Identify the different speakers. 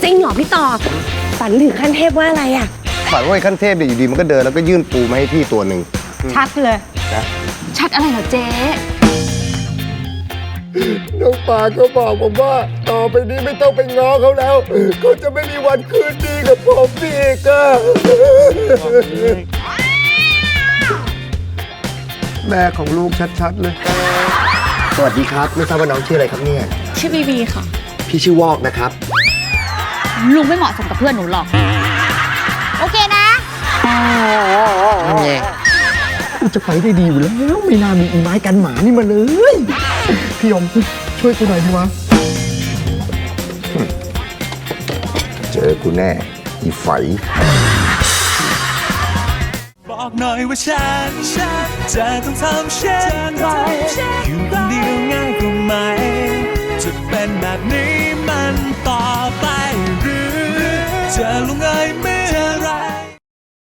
Speaker 1: จริงเหรอพี่ต่อฝันถึงขั้นเทพว่าอะไรอ่ะ
Speaker 2: ฝันว่าไอ้ขั้นเทพเนี่ยอยู่ดีมันก็เดินแล้วก็ยื่นปูมาให้พี่ตัวหนึ่ง
Speaker 1: ชัดเลย
Speaker 2: นะ
Speaker 1: ชัดอะไรเหรอเจ๊
Speaker 3: น้องปาเขาบอกผมว่าต่อไปนี้ไม่ต้องไปง้อเขาแล้วเขาจะไม่มีวันคืนดีกับผมอีกอะแม่ของลูกชัดๆเลยสวัสดีครับไม่ทราบว่าน้องชื่ออะไรครับเนี่ย
Speaker 1: ชื่อบีบีค่ะ
Speaker 3: พี่ชื่อวอกนะครับ
Speaker 1: ลุงไม่เหมาะสมกับเพื่อนหนูหรอกโอเคนะ
Speaker 3: กูจะไปได้ดีอยู่แล้วไม่น่ามีอีไม้กันหมานี่มาเลยพี่ยมช่วยกูหน่อยดีวะเจอกูแน่อีไฝ
Speaker 4: บอกหน่อยว่าฉันจะต้องทำเช่นไรอยู่คนเดียวง่ายกว่าไหมจะเป็นแบบนี้มันต่อไปหรือจะลงเอยไม่